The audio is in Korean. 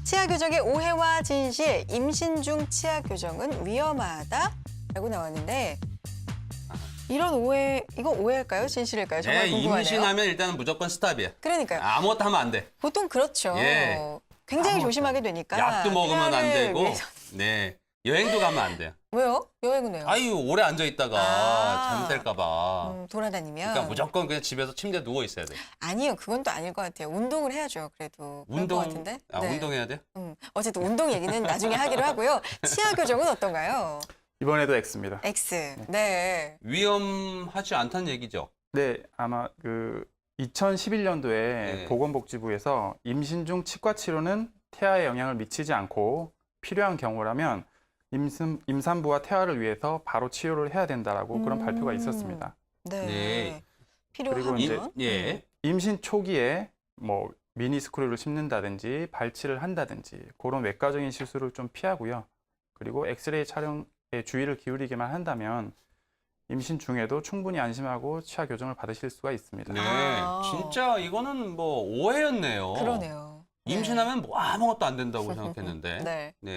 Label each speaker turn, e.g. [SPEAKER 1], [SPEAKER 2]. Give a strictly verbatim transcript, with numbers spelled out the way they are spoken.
[SPEAKER 1] 치아 교정의 오해와 진실, 임신 중 치아 교정은 위험하다라고 나왔는데 이런 오해, 이거 오해일까요? 진실일까요? 정말
[SPEAKER 2] 네,
[SPEAKER 1] 궁금하네요.
[SPEAKER 2] 임신하면 일단은 무조건 스탑이야.
[SPEAKER 1] 그러니까요.
[SPEAKER 2] 아무것도 하면 안 돼.
[SPEAKER 1] 보통 그렇죠.
[SPEAKER 2] 예.
[SPEAKER 1] 굉장히
[SPEAKER 2] 아무것도
[SPEAKER 1] 조심하게 되니까.
[SPEAKER 2] 약도 먹으면 안
[SPEAKER 1] 태아를
[SPEAKER 2] 되고,
[SPEAKER 1] 위해서-
[SPEAKER 2] 네, 여행도 가면 안 돼요.
[SPEAKER 1] 왜요? 여행은 왜요?
[SPEAKER 2] 아유, 오래 앉아 있다가
[SPEAKER 1] 아.
[SPEAKER 2] 잘못될까 봐.
[SPEAKER 1] 음, 돌아다니면.
[SPEAKER 2] 그러니까 무조건 그냥 집에서 침대에 누워 있어야 돼.
[SPEAKER 1] 아니요, 그건 또 아닐 것 같아요. 운동을 해야죠, 그래도. 그럴
[SPEAKER 2] 운동,
[SPEAKER 1] 것 같은데.
[SPEAKER 2] 아,
[SPEAKER 1] 네.
[SPEAKER 2] 운동해야 돼?
[SPEAKER 1] 음, 어쨌든 운동 얘기는 나중에 하기로 하고요. 치아 교정은 어떤가요?
[SPEAKER 3] 이번에도 X입니다.
[SPEAKER 1] X. 네.
[SPEAKER 2] 위험하지 않다는 얘기죠.
[SPEAKER 3] 네, 아마 그 이천십일 년도에
[SPEAKER 2] 네.
[SPEAKER 3] 보건복지부에서 임신 중 치과 치료는 태아에 영향을 미치지 않고 필요한 경우라면 임신, 임산부와 태아를 위해서 바로 치료를 해야 된다라고 그런
[SPEAKER 1] 음.
[SPEAKER 3] 발표가 있었습니다.
[SPEAKER 1] 네.
[SPEAKER 2] 네.
[SPEAKER 1] 필요하면.
[SPEAKER 3] 이제-
[SPEAKER 2] 예.
[SPEAKER 3] 임신 초기에 뭐 미니스크류를 심는다든지 발치를 한다든지 그런 외과적인 실수를 좀 피하고요. 그리고 엑스레이 촬영에 주의를 기울이기만 한다면 임신 중에도 충분히 안심하고 치아 교정을 받으실 수가 있습니다.
[SPEAKER 2] 네.
[SPEAKER 1] 아.
[SPEAKER 2] 진짜 이거는 뭐 오해였네요.
[SPEAKER 1] 그러네요. 네.
[SPEAKER 2] 임신하면 뭐 아무것도 안 된다고 생각했는데.
[SPEAKER 1] 네.
[SPEAKER 2] 네.